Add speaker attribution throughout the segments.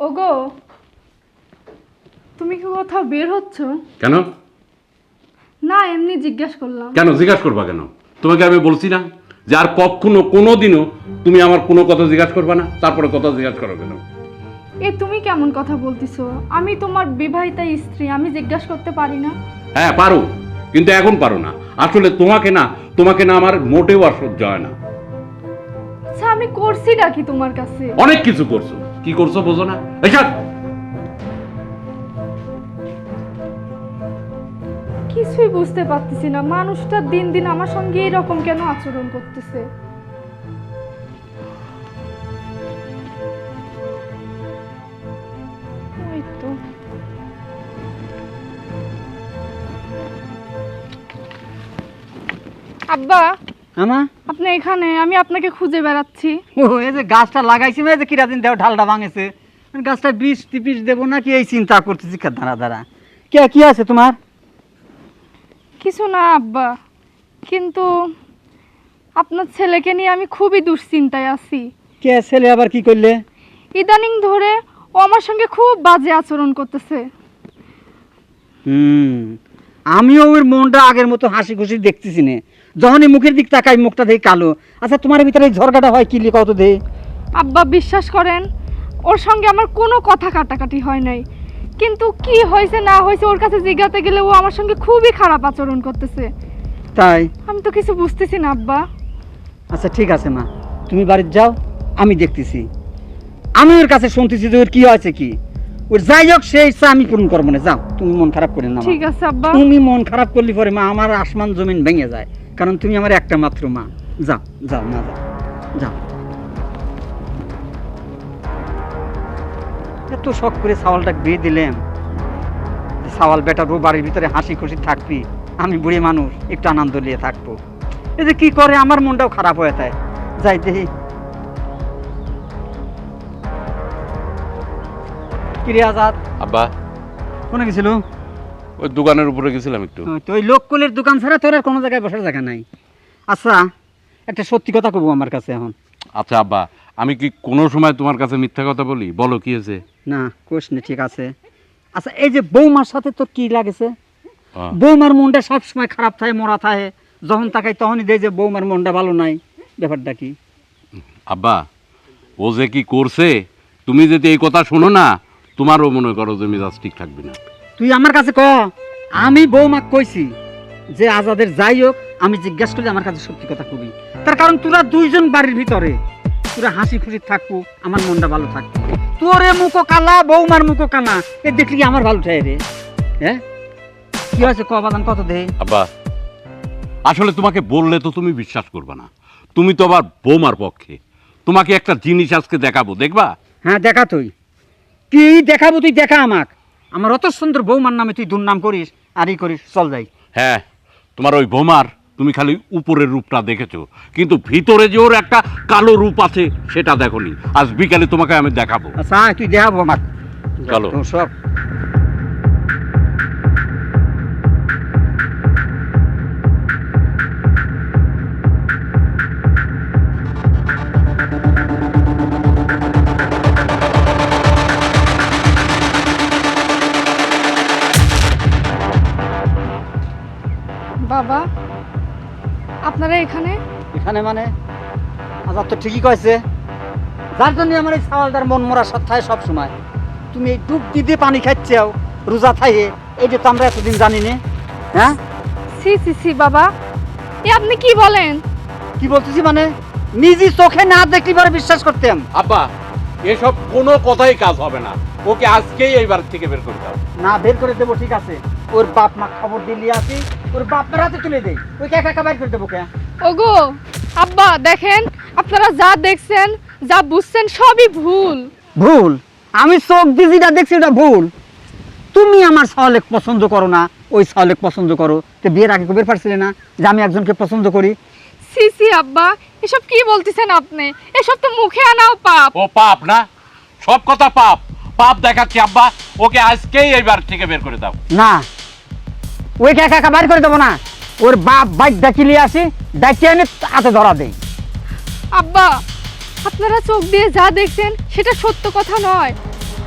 Speaker 1: ওগো, তুমি কি কোথাও বের হচ্ছ?
Speaker 2: কেন?
Speaker 1: না, এমনি জিজ্ঞাসা করলাম।
Speaker 2: কেন জিজ্ঞাসা করবা কেন? তোমাকে আমি বলছি না যে আর কখনো কোনোদিনও তুমি আমার কোনো কথা জিজ্ঞাসা করবা না, তারপরে কথা জিজ্ঞাসা করো কেন?
Speaker 1: তুমি কেমন কথা বলতিছো? আমি তোমার বিবাহিতা স্ত্রী, আমি জিজ্ঞাসা করতে পারি না?
Speaker 2: হ্যাঁ পারো, কিন্তু এখন পারো না। আসলে তোমাকে না আমার মোটেও আর সহ্য হয় না।
Speaker 1: আচ্ছা, আমি করছিটা কি তোমার কাছে?
Speaker 2: অনেক কিছু করছো। কি করছো বোঝো না? এইসব
Speaker 1: কিছুই বুঝতে পারতেছি না, মানুষটা দিন দিন আমার সঙ্গে এরকম কেন আচরণ করতেছে? ওই তো আব্বা,
Speaker 3: আমা
Speaker 1: আপনি এখানে? আমি আপনাকে খুঁজে বেড়াচ্ছি।
Speaker 3: ও এই যে গাছটা লাগাইছি, এই যে কিরাদিন দেও ঢালটা ভাঙেছে, গাছটা বিষ টিপিস দেবো নাকি এই চিন্তা করতেছি। দাঁড়া দাঁড়া, কে কি আছে তোমার?
Speaker 1: কিছু না আব্বা, কিন্তু আপনার ছেলেকে নিয়ে আমি খুবই দুশ্চিন্তায় আছি।
Speaker 3: কে ছেলে আবার কি করলে?
Speaker 1: ইদানিং ধরে ও আমার সঙ্গে খুব বাজে আচরণ করতেছে।
Speaker 3: আমিও ওর মনটা আগের মতো হাসি খুশি দেখতেছি না, যখনই মুখের দিক তাকাই মুখটা দেখি কালো। আচ্ছা, তোমার ভিতরে এই ঝরকাটা হয় কি কত দে?
Speaker 1: আব্বা, বিশ্বাস করেন, ওর সঙ্গে আমার কোনো কথা কাটাকাটি হয় নাই, কিন্তু কি হয়েছে না হয়েছে ওর কাছে জিজ্ঞাতে গেলে ও আমার সঙ্গে খুবই খারাপ আচরণ করতেছে।
Speaker 3: তাই?
Speaker 1: আমি তো কিছু বুঝতেছি না আব্বা।
Speaker 3: আচ্ছা ঠিক আছে মা, তুমি বাড়িতে যাও, আমি দেখতেছি। আমি ওর কাছে শুনতেছি যে ওর কি হয়েছে, কি ওর যাই হোক সেই ইচ্ছা আমি পূরণ করবো না। যাও, তুমি মন খারাপ করে না মা।
Speaker 1: ঠিক আছে আব্বা।
Speaker 3: তুমি মন খারাপ করলে পরে মা আমার আসমান জমিন ভেঙে যায়, কারণ তুমি আমার একটা মাত্র মা। যাও যাও মা, যাও যাও। এত শখ করে ছাওয়ালটা বিয়ে দিলাম, ছাওয়াল বেটা রো বাড়ির ভিতরে হাসি খুশি থাকবি, আমি বুড়ি মানুষ একটু আনন্দ নিয়ে থাকবো। এই যে কি করে আমার মনটাও খারাপ হয়ে যায়। যাই দেখি। কিরে আজাদ,
Speaker 2: আব্বা,
Speaker 3: কোনে গেছিল?
Speaker 2: ওই দোকানের উপরে গেছিলাম একটু।
Speaker 3: তো ওই লোককুলের দোকান ছাড়া তোর আর কোনো জায়গায় বসার জায়গা নাই। আচ্ছা, একটা সত্যি কথা কব আমার কাছে এখন।
Speaker 2: আচ্ছা আব্বা, আমি কি কোনো সময় তোমার কাছে মিথ্যা কথা বলি? বলো কি হয়েছে?
Speaker 3: না কোশ না, ঠিক আছে। আচ্ছা, এই যে বৌমার সাথে তোর কি লাগেছে?
Speaker 2: হ্যাঁ।
Speaker 3: বৌমার মনটা সবসময় খারাপ থাকে, মরা থাকে, যখন তাকাই তখনই দেয় যে বৌমার মনটা ভালো নাই। ব্যাপারটা কি?
Speaker 2: আব্বা, ও যে কি করছে, তুমি যদি এই কথা শোনো না, তোমারও মনে করো যে মেজাজ ঠিক থাকবে না।
Speaker 3: তুই আমার কাছে ক, আমি বৌমাক কইছি যে আজাদের যাই হোক, আমি জিজ্ঞাসা করলে আমার কাছে সত্যি কথা কবি। তার কারণ তোরা দুইজন বাড়ির ভিতরে, তোরা হাসি খুশি থাকবো, আমার মনটা ভালো থাকবে। তোরে মুখো কালা, বৌমার মুখো কানা, এ দেখলি কি আমার ভালো থাকে রে? হ্যাঁ, কি হয়েছে ক বাদান, কত দে?
Speaker 2: আব্বা, আসলে তোমাকে বললে তো তুমি বিশ্বাস করবে না। তুমি তো আবার বৌমার পক্ষে। তোমাকে একটা জিনিস আজকে দেখাবো, দেখবা?
Speaker 3: হ্যাঁ দেখা, তুই কি দেখাবো? তুই দেখা আমাক। আমার অত সুন্দর বৌমার নামে তুই দুর্নাম করিস আর ই করিস, চল যাই।
Speaker 2: হ্যাঁ, তোমার ওই বৌমার তুমি খালি উপরের রূপটা দেখেছো, কিন্তু ভিতরে যে ওর একটা কালো রূপ আছে সেটা দেখোনি। আজ বিকালে তোমাকে আমি দেখাবো।
Speaker 3: আচ্ছা তুই দেখাবো আমাক,
Speaker 2: চলো।
Speaker 3: সব।
Speaker 1: বাবা, আপনারা এখানে?
Speaker 3: এখানে মানে? আজাদ তো ঠিকই কয়েছে, যার জন্য আমার এই ছাওয়ালটার মন মরা সাথে থাকে সব সময়। তুমি এই ডুব দিয়ে পানি খাচ্ছাও রোজা থাকে, এইটা তো আমরা এতদিন জানি না। হ্যাঁ,
Speaker 1: সি সি সি বাবা, আপনি কি বলেন?
Speaker 3: কি বলতেছি মানে, নিজে চোখে না দেখলি পরে বিশ্বাস করতাম।
Speaker 2: আব্বা, এসব কোনো কথাই কাজ হবে না। ওকে আজকেই এই বাড়ি থেকে বের করে দাও।
Speaker 3: না বের করে দেবো, ঠিক আছে। ওর বাপ মা খবর দিলি আসি, ওর বাপ মার হাতে তুলে দেই, ওই একা একা বের করে দেবো কে?
Speaker 1: ওগো আব্বা, দেখেন, আপনারা যা দেখছেন, যা বুঝছেন সবই ভুল।
Speaker 3: ভুল? আমি চোখ দিয়ে যেটা দেখছি ওটা ভুল। তুমি আমার ছাওয়ালেক পছন্দ করো না, ওই ছাওয়ালেক পছন্দ করো, তো বিয়ের আগে কবে পারছিলে না যে আমি একজনকে পছন্দ করি?
Speaker 1: সি সি আব্বা, এসব কি বলতেছেন আপনি? এসব তো মুখে আনাও পাপ।
Speaker 2: ও পাপ না? সব কথা পাপ। পাপ দেখাচ্ছি আব্বা, ওকে আজকেই এই বাড়ি থেকে বের করে দাও।
Speaker 3: না, ওই একা একা বের করে দেবো না, ওর বাপ বাইক ডাকিলে আসি, ডাকিয়ে এনে হাতে ধরা দেই।
Speaker 1: আব্বা, আপনারা চোখ দিয়ে যা দেখছেন সেটা সত্য কথা নয়।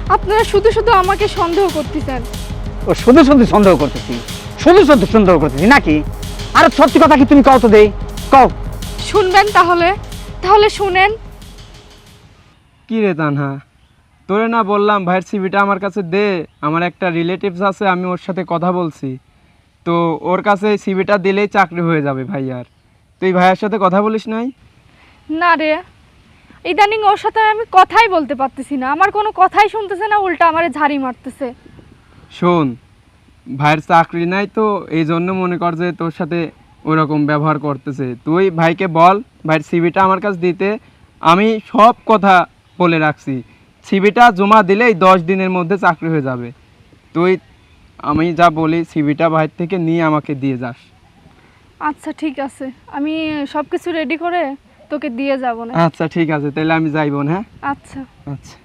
Speaker 1: আপনারা শুধু শুধু আমাকে সন্দেহ করতেছেন।
Speaker 3: ও শুধু শুধু সন্দেহ করতেছি, শুধু শুধু সন্দেহ করতেছি নাকি? আর সত্যি কথা কি তুমি কও তো দেই, কও।
Speaker 1: শুনবেন তাহলে? তাহলে শুনেন।
Speaker 4: কি রে তানহা, তোরে না বললাম ভাইয়ের সিভিটা আমার কাছে দে, আমার একটা রিলেটিভস আছে, আমি ওর সাথে কথা বলছি, তো ওর কাছে সিভিটা দিলেই চাকরি হয়ে যাবে ভাইয়ার। তুই ভাইয়ের সাথে কথা বলিস নাই?
Speaker 1: না রে, ইদানিং ওর সাথে আমি কথাই বলতে পারতেছি না, আমার কোনো কথাই শুনতেছে না, উল্টা আমারে ঝাড়ি মারতেছে।
Speaker 4: শোন, ভাইয়ের চাকরি নাই তো এই জন্য মনে কর যে তোর সাথে ওরকম ব্যবহার করতেছে। তুই ভাইকে বল ভাইয়ের সিভিটা আমার কাছে দিতে, আমি সব কথা বলে রাখছি। সিভিটা জমা দিলেই 10 দিনের মধ্যে চাকরি হয়ে যাবে। তুই আমি যা বলি সিভিটা ভাইয়ের থেকে নিয়ে আমাকে দিয়ে যাস।
Speaker 1: আচ্ছা ঠিক আছে, আমি সব কিছু রেডি করে তোকে দিয়ে যাব না।
Speaker 4: আচ্ছা ঠিক আছে, তাহলে আমি যাইব না। হ্যাঁ
Speaker 1: আচ্ছা,
Speaker 4: আচ্ছা।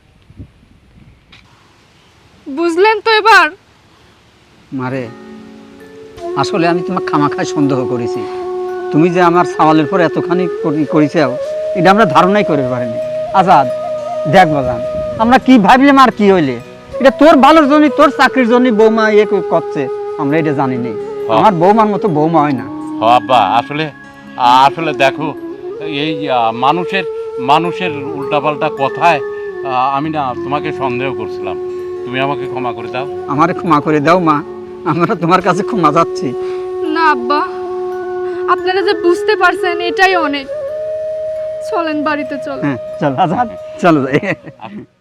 Speaker 1: বুঝলেন তো এবার?
Speaker 3: মারে, আসলে আমি তোমাকে খামাখায় সন্দেহ করেছি। তুমি যে আমার সওয়ালের পর এতখানি করেছো, এটা আমরা ধারণাই করে পারিনি। আজাদ দেখ বাজান, আমরা কি ভাবলাম আর কি হইলে, এটা তোর ভালোর জন্য, তোর চাকরির জন্য বৌমা ইয়ে করছে, আমরা এটা জানি নি। আমার বৌমার মতো বৌমা হয় না।
Speaker 2: আব্বা আসলে আসলে দেখো, এই মানুষের উল্টাপাল্টা কথায় আমি না তোমাকে সন্দেহ করছিলাম। তুমি আমাকে ক্ষমা করে দাও।
Speaker 3: আমারে ক্ষমা করে দাও মা, আমরা তোমার কাছে ক্ষমা যাচ্ছি।
Speaker 1: না আব্বা, আপনারা যে বুঝতে পারছেন এটাই অনেক। চলেন বাড়িতে চলেন।
Speaker 3: হ্যাঁ চল আজাদ, চলো যাই।
Speaker 2: আসো।